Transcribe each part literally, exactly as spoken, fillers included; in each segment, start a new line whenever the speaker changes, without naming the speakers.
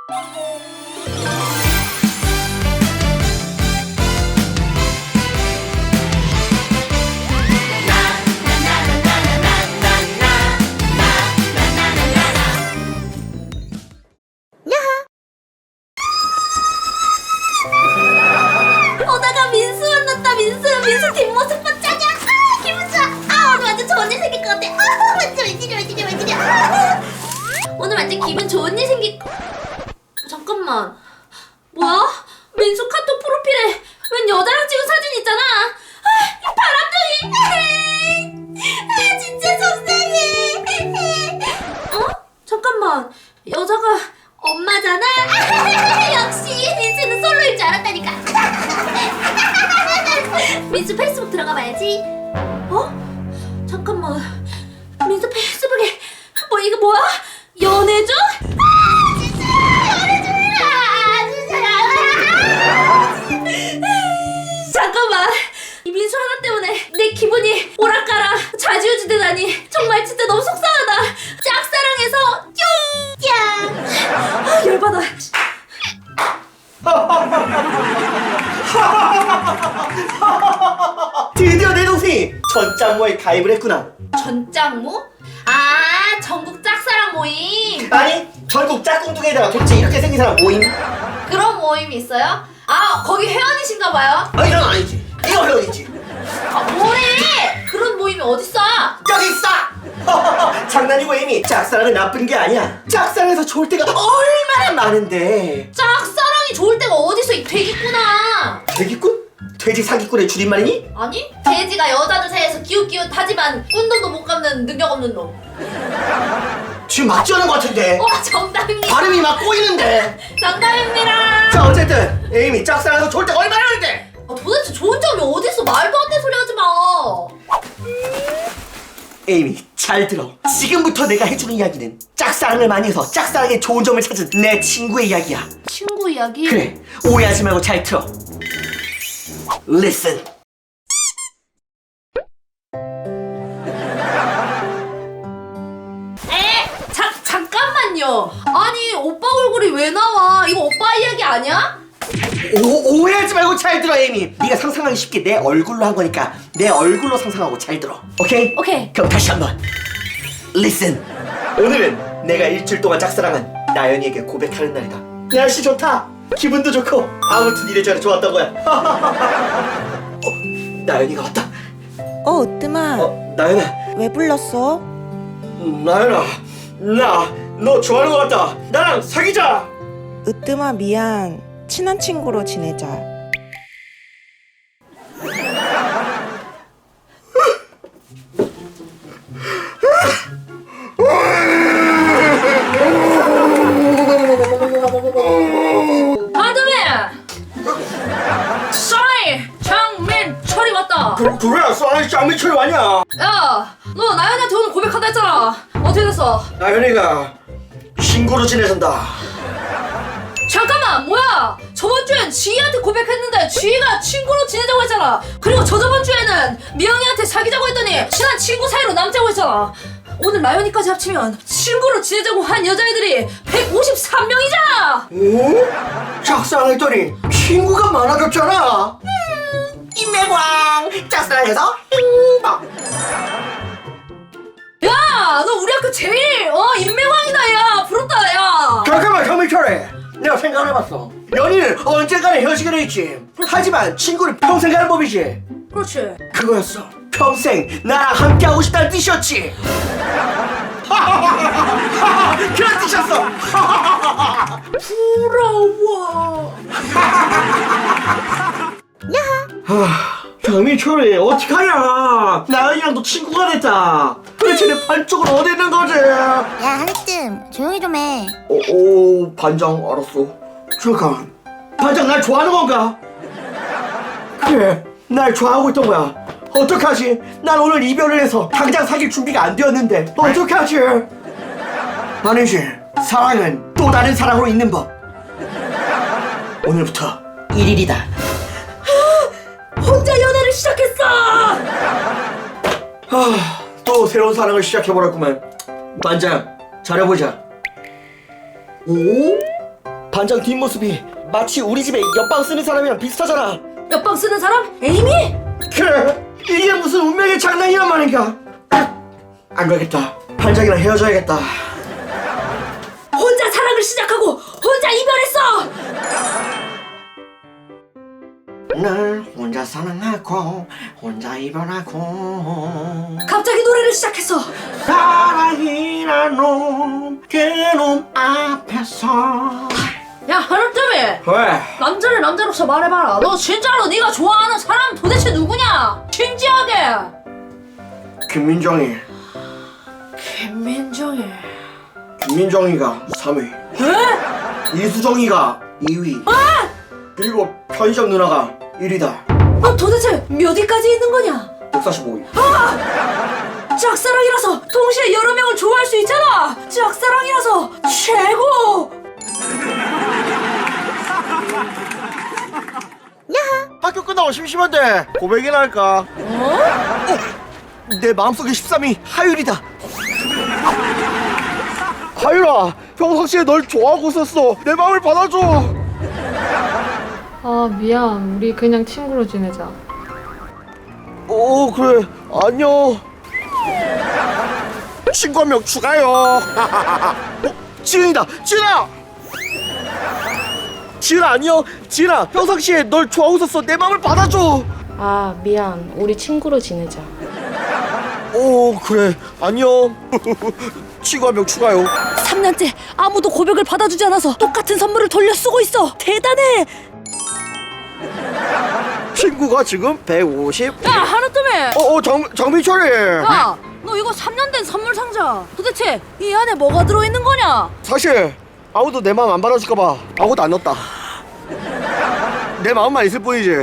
오다가 민수 만났다. 민수 민수 뒷모습 봤자냐. 아 기분 좋아. 아 오늘 완전 좋은 일 생길 것 같아. 아 완전 웬일이야 웬일이야 웬일이야. 아, 오늘 완전 기분 좋은 일 생길. 잠깐만. 뭐야? 민수 카톡 프로필에 웬 여자랑 찍은 사진 있잖아. 아, 이 바람둥이. 아 진짜 속상해. 어? 잠깐만. 여자가 엄마잖아. 역시 민수는 솔로일 줄 알았다니까. 민수 페이스북 들어가 봐야지. 어? 잠깐만. 민수 페이스북에 뭐 이거 뭐야? 연애중? 아 진짜 연애중이라. 진짜. 잠깐만. 이 민수 하나 때문에 내 기분이 오락가락 좌지우지 되다니 정말 진짜 너무 속상하다. 짝사랑해서 뿅! 아 열받아.
드디어 내 동생이 전짱모에 가입을 했구나.
전짱모? 아 전국 짝사랑 모임.
아니 전국 짝꿍둥이에다가 도대체 이렇게 생긴 사람 모임?
그런 모임이 있어요? 아 거기 회원이신가 봐요?
아 이건 아니지. 이거 회원이지.
아 뭐래? 그런 모임이 어딨어?
여기 있어! 장난이고 이미 짝사랑은 나쁜 게 아니야. 짝사랑에서 좋을 때가 얼마나 많은데.
짝사랑이 좋을 때가 어딨어 이 돼지꾼아.
돼지꾼? 돼지 사기꾼의 줄임말이니?
아니 돼지가 여자들 사이에서 기웃기웃하지만 꾼돈도 못 갚는 능력 없는 놈.
지금 맞지 않은 것 같은데.
와 정답입니다.
발음이 막 꼬이는데.
정답입니다.
자 어쨌든 에이미 짝사랑에서 좋을 때가 얼마나 많은데.
아, 도대체 좋은 점이 어딨어? 말도 안 되는 소리 하지 마.
에이미 잘 들어. 지금부터 내가 해주는 이야기는 짝사랑을 많이 해서 짝사랑의 좋은 점을 찾은 내 친구의 이야기야.
친구 이야기?
그래 오해하지 말고 잘 들어. Listen.
에? 자, 잠깐만요. 아니 오빠 얼굴이 왜 나와? 이거 오빠 이야기 아니야?
오, 오해하지 말고 잘 들어 에이미. 네가 상상하기 쉽게 내 얼굴로 한 거니까 내 얼굴로 상상하고 잘 들어. 오케이?
오케이.
그럼 다시 한번 Listen. 오늘은 내가 일주일 동안 짝사랑한 나연이에게 고백하는 날이다. 날씨 좋다. 기분도 좋고 아무튼 이래저래 좋았던 거야. 어, 나연이가 왔다.
어, 으뜸아.
어, 나연아.
왜 불렀어?
음, 나연아, 나 너 좋아하는 것 같다. 나랑 사귀자.
으뜸아, 미안. 친한 친구로 지내자.
바드맨! 싸이! 장민철이 왔다!
그, 그래, 쏘아이 짱미철이 왔냐?
야! 너 나연이한테 오늘 고백한다 했잖아! 어떻게 됐어?
나연이가 친구로 지내선다.
잠깐만! 뭐야! 저번 주엔 지희한테 고백했는데 지희가 친구로 지내자고 했잖아! 그리고 저저번 주에는 미영이한테 사귀자고 했더니 친한 친구 사이로 남자고 했잖아! 오늘 나연이까지 합치면 친구로 지내자고 한 여자애들이 백오십삼 명이잖아!
오? 짝사랑했더니 친구가 많아졌잖아. 음, 인맥왕 짝사랑해서 행복.
야! 너 우리 학교 제일 어 인맥왕이다 야! 부럽다 야!
잠깐만 정민철이, 내가 생각해봤어. 연인은 언젠가는 헤어지게 돼 있지. 하지만 친구는 평생 가는 법이지.
그렇지.
그거였어. 평생 나랑 함께하고 싶다는 뜻이었지. 그런 뜻이었어.
부러워.
하, 정민철이 어떡하냐. 나연이랑도 친구가 됐다. 도대체 내 반쪽은 어디 있는 거지?
야, 한혜뜸 조용히 좀 해.
오, 오 반장 알았어. 잠깐, 반장 날 좋아하는 건가? 그래, 날 좋아하고 있던 거야. 어떡하지? 난 오늘 이별을 해서 당장 사귈 준비가 안 되었는데 어떡하지? 아니지, 사랑은 또 다른 사랑으로 있는 법. 오늘부터 일 일이다.
혼자 연애를 시작했어.
아, 또 새로운 사랑을 시작해버렸구만. 반장, 잘해보자. 오? 반장 뒷모습이 마치 우리 집에 옆방 쓰는 사람이랑 비슷하잖아.
옆방 쓰는 사람? 에이미?
그래, 이게 무슨 운명의 장난이란 말인가? 안 되겠다. 반장이랑 헤어져야겠다.
혼자 사랑을 시작하고 혼자 이별했어.
날 혼자 사랑하고 혼자 이별하고
갑자기 노래를 시작했어.
사랑이란 놈, 그 놈 앞에서.
야, 하루쯤이
왜?
남자를 남자로서 말해봐라. 너 진짜로 네가 좋아하는 사람 도대체 누구냐? 진지하게.
김민정이.
김민정이.
김민정이가 삼 위,
에?
이수정이가 이 위,
아!
그리고 편의점 누나가 일 위다.
너 도대체 몇 위까지 있는 거냐?
백사십오 위.
짝사랑이라서 동시에 여러 명을 좋아할 수 있잖아. 짝사랑이라서 최고.
학교 끝나고 심심한데 고백이나 할까?
어?
내 마음속에 십삼 위 하율이다. 하율아, 평상시에 널 좋아하고 있었어. 내 마음을 받아줘.
아 미안 우리 그냥 친구로 지내자.
어, 그래. 안녕. 친구 한 명 추가요. 어, 지은이다. 지은아. 지은아, 안녕. 지은아, 평상시에 널 좋아하고 있었어. 내 마음을 받아줘.
아 미안 우리 친구로 지내자.
오, 그래. 안녕. 친구 한 명 추가요.
삼 년째 아무도 고백을 받아주지 않아서 똑같은 선물을 돌려 쓰고 있어. 대단해.
친구가 지금 백오십.
야, 하루쯤에.
어, 어, 장, 장민철이.
야, 너 이거 삼 년 된 선물 상자. 도대체 이 안에 뭐가 들어있는 거냐?
사실 아무도 내 마음 안 받아줄까봐 아무것도 안 넣었다. 내 마음만 있을 뿐이지.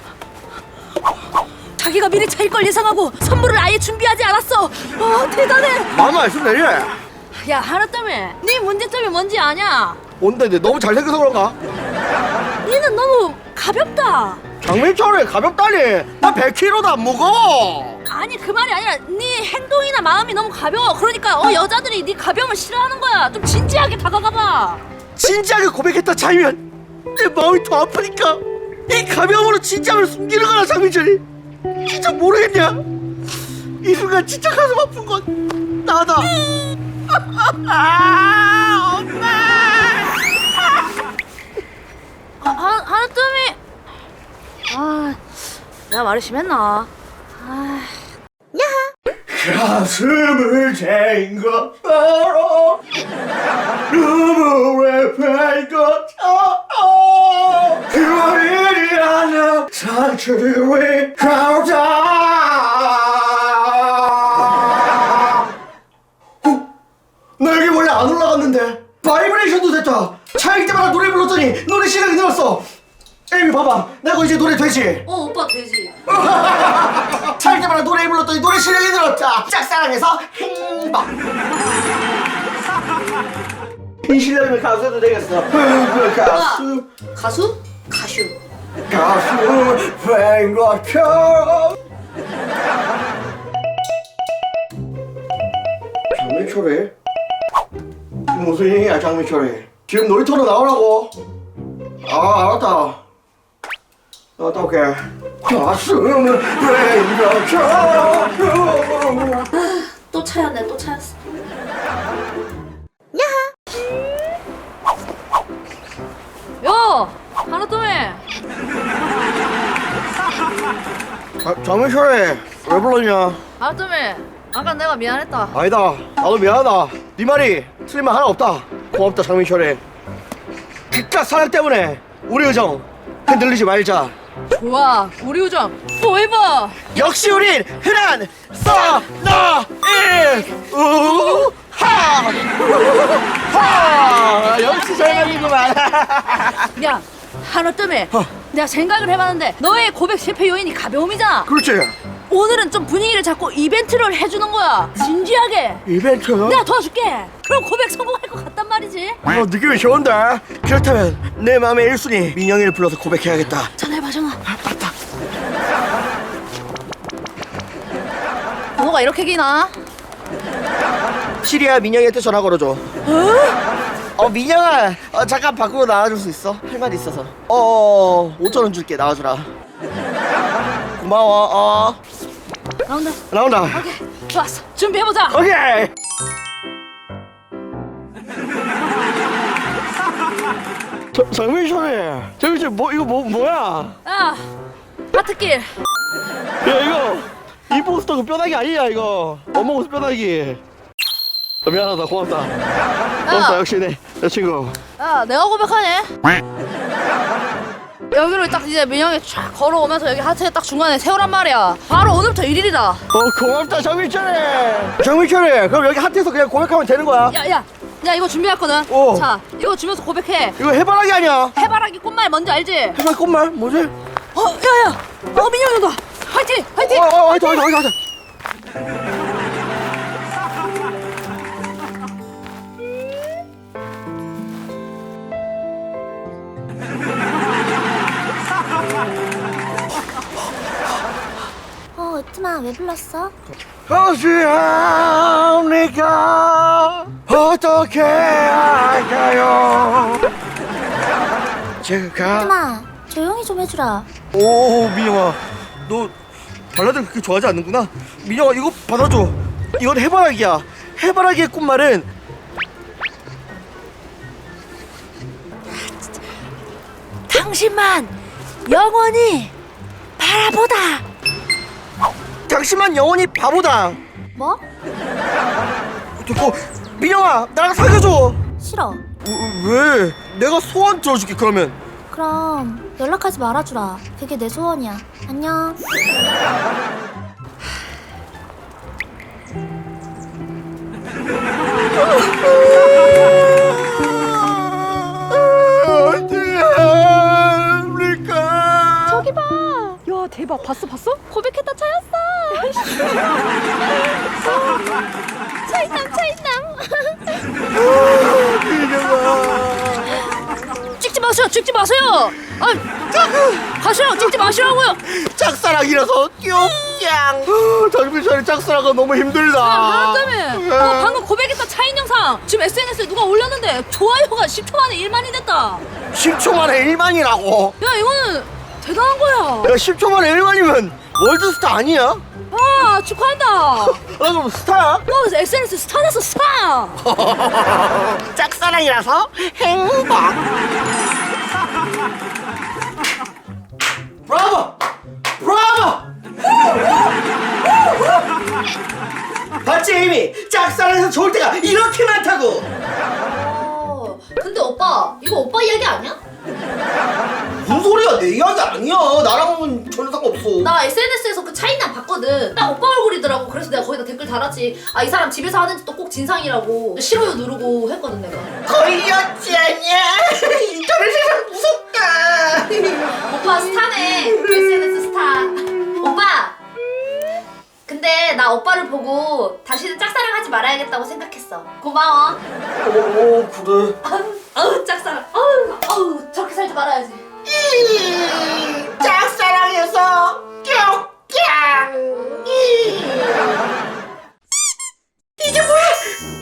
자기가 미리 차일 걸 예상하고 선물을 아예 준비하지 않았어. 와, 대단해.
마음만 있으면 되지.
야, 하루쯤에 네 문제점이 뭔지 아냐?
뭔데, 내 너무 잘생겨서 그런가?
니는 너무 가볍다.
장민철이 가볍다니. 나 백 킬로그램도 안 무거워.
아니, 그 말이 아니라 네 행동이나 마음이 너무 가벼워. 그러니까 어 여자들이 네 가벼움을 싫어하는 거야. 좀 진지하게 다가가봐.
진지하게 고백했다 차이면 내 마음이 더 아프니까 이 가벼움으로 진지함을 숨기는 거야. 장민철이 진짜 모르겠냐? 이 순간 진짜 가슴 아픈 건 나다. 아, 엄마.
아, 하, 하루쯤이. 아, 내가 말이 심했나? 아.
가슴을 잰 것처럼 눈물에 팬 것처럼 그리지 않는 상처를 왜 가오자. 어? 나 여기 원래 안 올라갔는데 바이브레이션도 됐다. 차일 때마다 노래 불렀더니 노래 실력이 늘었어. 에이미 봐봐, 내가 이제 노래 되지?
어, 오빠 되지.
살 때마다 노래 불렀더니 노래 실력이 늘었다. 짝사랑해서 행복. 이 실력이면 가수해도 되겠어. 가수
가수? 가슈.
가수 된 것처럼. 장미철이? 무슨 일이야 장미철이? 지금 놀이터로 나오라고. 아, 알았다. 나갔다 올게. 가슴은 된 것처럼.
또 차였네, 또 차였어. 야, 하루쯤에.
아, 장민철이 왜 불렀냐?
하루쯤에. 아까 내가 미안했다.
아니다, 나도 미안하다. 네 말이 틀린 말 하나 없다. 고맙다 장민철이. 그깟 사랑 때문에 우리 우정 흔들리지 말자.
좋아, 우리 우정 포에버.
역시 우린 흔한 써너일 우하 우하. 역시 절반이구만.
야, 하루쯤에.
어.
내가 생각을 해봤는데 너의 고백 실패 요인이 가벼움이잖아.
그렇지.
오늘은 좀 분위기를 잡고 이벤트를 해주는 거야. 진지하게.
이벤트?
내가 도와줄게. 그럼 고백 성공할 것 같단 말이지.
어, 느낌이 좋은데. 그렇다면 내 마음의 일 순위 민영이를 불러서 고백해야겠다.
전화해봐, 전화.
아, 맞다.
번호가 이렇게 기나?
시리아 민영이한테 전화 걸어줘.
어?
어 민영아, 어, 잠깐 밖으로 나와줄 수 있어? 할 말이 있어서. 어 오천 원 줄게, 나와주라. 고마워. 어
나온다.
나온다.
오케이, 좋았어. 준비해보자.
오케이. 저, 장민철이, 장민철 뭐 이거 뭐 뭐야?
야, 하트길.
야 이거 이 포스터 그 뼈다귀 아니야 이거. 어묵 뼈다귀. 어, 미안하다, 고맙다. 고맙다, 역시 내, 내 친구.
야, 내가 고백하네. 여기로 딱 이제 민영이 쫙 걸어오면서 여기 하트에 딱 중간에 세우란 말이야. 바로 오늘부터 일 일이다.
어 고맙다, 장민철이. 장민철이, 그럼 여기 하트에서 그냥 고백하면 되는 거야?
야, 야, 야, 이거 준비했거든.
오.
자, 이거 주면서 고백해.
이거 해바라기 아니야?
해바라기 꽃말 뭔지 알지?
해바라기 꽃말 뭐지?
어, 야, 야, 어, 민영이 온다. 화이팅, 화이팅.
어, 어, 화이팅, 화이팅, 화이팅.
어, 으뜸아, 왜 불렀어?
어찌합니까? 어떻게 할까요? 제가
으뜸아, 조용히 좀 해주라.
오 민영아, 너 발라드를 그렇게 좋아하지 않는구나. 민영아 이거 받아줘. 이건 해바라기야. 해바라기의 꽃말은
당신만 영원히 바라보다.
당신만 영원히 바보다.
뭐?
됐고, 민영아 나랑 사귀어줘.
싫어.
어, 왜? 내가 소원 들어줄게 그러면.
그럼 연락하지 말아주라. 그게 내 소원이야. 안녕.
어찌합니까?
저기 봐. 야, 대박. 봤어, 봤어? 고백했다, 차였어. 차이남, 차이남.
민영아,
찍지 마세요, 찍지 마세요. 아, 가시라고, 찍지 마시라고요.
짝사랑이라서 뿅짱. 장민철이 짝사랑가 너무 힘들다.
아, 때문에. 너 방금 고백했던 차인 영상 지금 에스엔에스에 누가 올렸는데 좋아요가 십 초 만에 일만이 됐다.
십 초 만에 일만이라고.
야, 이거는 대단한 거야.
야, 십 초 만에 일만이면 월드스타 아니야?
아, 축하한다.
나 그럼 스타야?
너 에스엔에스 스타 됐어, 스타.
짝사랑이라서 행복. 브라보! 브라보! 봤지 이미? 짝사랑에서 좋을 때가 이렇게 많다고.
어, 근데 오빠, 이거 오빠 이야기 아니야?
무슨 소리야, 내 이야기 아니야. 나랑은 전혀 상관없어.
나 에스엔에스에서 그 차이남 봤거든. 딱 오빠 얼굴이더라고. 그래서 내가 거기다 댓글 달았지. 아, 이 사람 집에서 하는 짓도 꼭 진상이라고. 싫어요 누르고 했거든 내가.
걸렸지 않냐? 인터넷 세상 무섭다.
오빠 스타네. 에스엔에스 스타. 오빠. 근데 나 오빠를 보고 다시는 짝사랑하지 말아야겠다고 생각했어. 고마워.
오, 그래.
아우, 아우 짝사랑. 아우, 아우 저렇게 살지 말아야지.
짝사랑해서 뿅뿅. 이게 뭐야?